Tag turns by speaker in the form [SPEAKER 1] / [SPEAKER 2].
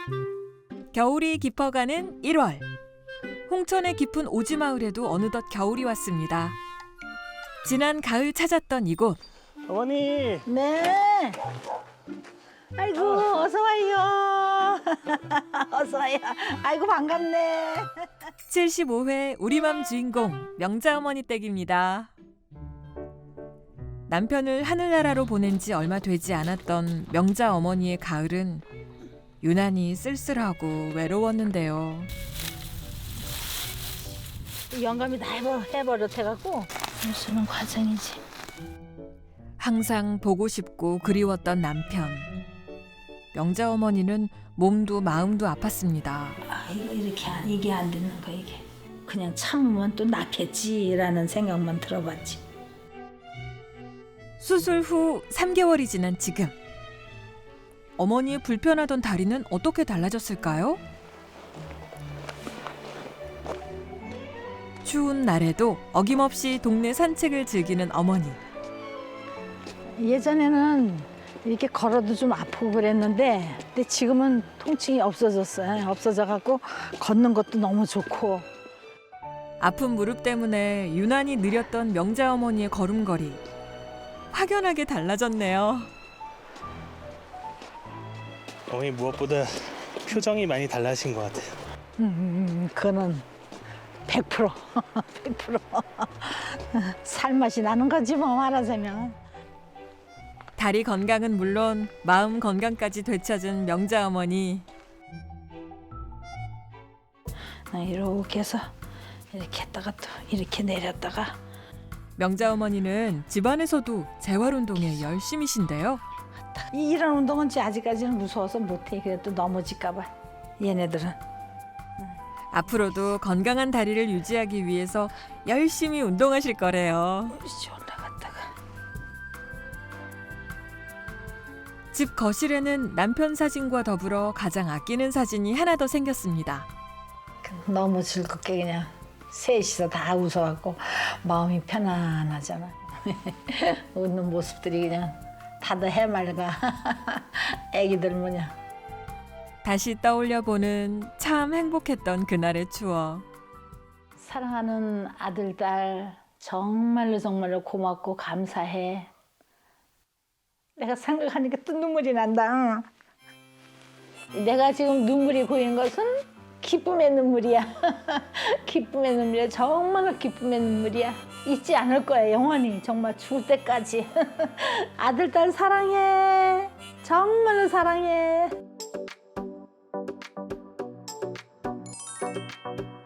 [SPEAKER 1] 겨울이 깊어가는 1월. 홍천의 깊은 오지마을에도 어느덧 겨울이 왔습니다. 지난 가을 찾았던 이곳.
[SPEAKER 2] 어머니.
[SPEAKER 3] 네. 아이고 어서 와요. 어서 와요. 아이고 반갑네.
[SPEAKER 1] 75회 우리맘 주인공 명자어머니 댁입니다. 남편을 하늘나라로 보낸 지 얼마 되지 않았던 명자어머니의 가을은 유난히 쓸쓸하고 외로웠는데요.
[SPEAKER 3] 영감이 다 해버릇해갖고 무슨 과정이지.
[SPEAKER 1] 항상 보고 싶고 그리웠던 남편. 명자어머니는 몸도 마음도 아팠습니다.
[SPEAKER 3] 아 이거 이게 안 되는 거 이게. 그냥 참으면 또 낫겠지라는 생각만 들어봤지.
[SPEAKER 1] 수술 후 3개월이 지난 지금. 어머니의 불편하던 다리는 어떻게 달라졌을까요? 추운 날에도 어김없이 동네 산책을 즐기는 어머니.
[SPEAKER 3] 예전에는 이렇게 걸어도 좀 아프고 그랬는데 근데 지금은 통증이 없어졌어요. 없어져갖고 걷는 것도 너무 좋고.
[SPEAKER 1] 아픈 무릎 때문에 유난히 느렸던 명자어머니의 걸음걸이. 확연하게 달라졌네요.
[SPEAKER 2] 어머니 무엇보다 표정이 많이 달라진 것 같아요.
[SPEAKER 3] 그거는 100% 100% 살맛이 나는 거지 뭐 말하자면.
[SPEAKER 1] 다리 건강은 물론 마음 건강까지 되찾은 명자어머니.
[SPEAKER 3] 이렇게 해서 이렇게 했다가 또 이렇게 내렸다가.
[SPEAKER 1] 명자어머니는 집안에서도 재활운동에 열심이신데요.
[SPEAKER 3] 이런 운동은 아직까지는 무서워서 못해. 그래도 넘어질까 봐 얘네들은.
[SPEAKER 1] 앞으로도 건강한 다리를 유지하기 위해서 열심히 운동하실 거래요.
[SPEAKER 3] 이씨 올라갔다가.
[SPEAKER 1] 집 거실에는 남편 사진과 더불어 가장 아끼는 사진이 하나 더 생겼습니다.
[SPEAKER 3] 너무 즐겁게 그냥 셋이서 다 웃어갖고 마음이 편안하잖아. 웃는 모습들이 그냥 다들 해맑아. 애기들 뭐냐.
[SPEAKER 1] 다시 떠올려보는 참 행복했던 그날의 추억.
[SPEAKER 3] 사랑하는 아들, 딸 정말로 고맙고 감사해. 내가 생각하니까 또 눈물이 난다. 내가 지금 눈물이 고이는 것은 기쁨의 눈물이야. 기쁨의 눈물이야. 정말로 기쁨의 눈물이야. 잊지 않을 거야 영원히. 정말 죽을 때까지. 아들, 딸 사랑해. 정말로 사랑해.